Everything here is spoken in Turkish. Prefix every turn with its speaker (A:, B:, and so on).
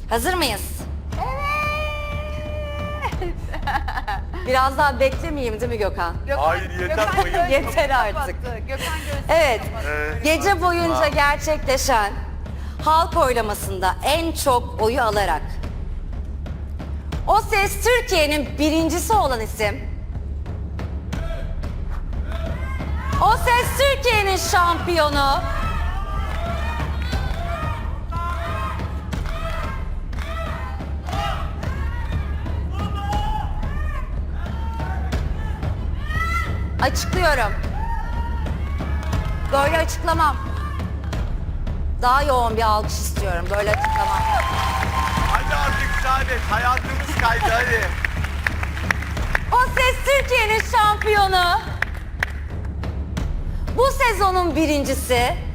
A: Hazır mıyız? Biraz daha beklemeyeyim değil mi Gökhan?
B: Hayır, yeter, bayıldım.
A: Yeter artık.
C: Gökhan gözünü
A: Evet,
B: Evet.
A: gece boyunca gerçekleşen halk oylamasında en çok oyu alarak O Ses Türkiye'nin birincisi olan isim, O Ses Türkiye'nin şampiyonu, açıklıyorum. Böyle açıklamam. Daha yoğun bir alkış istiyorum. Böyle açıklamam.
B: Hadi artık Saadet, hayatımız kaydı hadi.
A: O Ses Türkiye'nin şampiyonu, bu sezonun birincisi,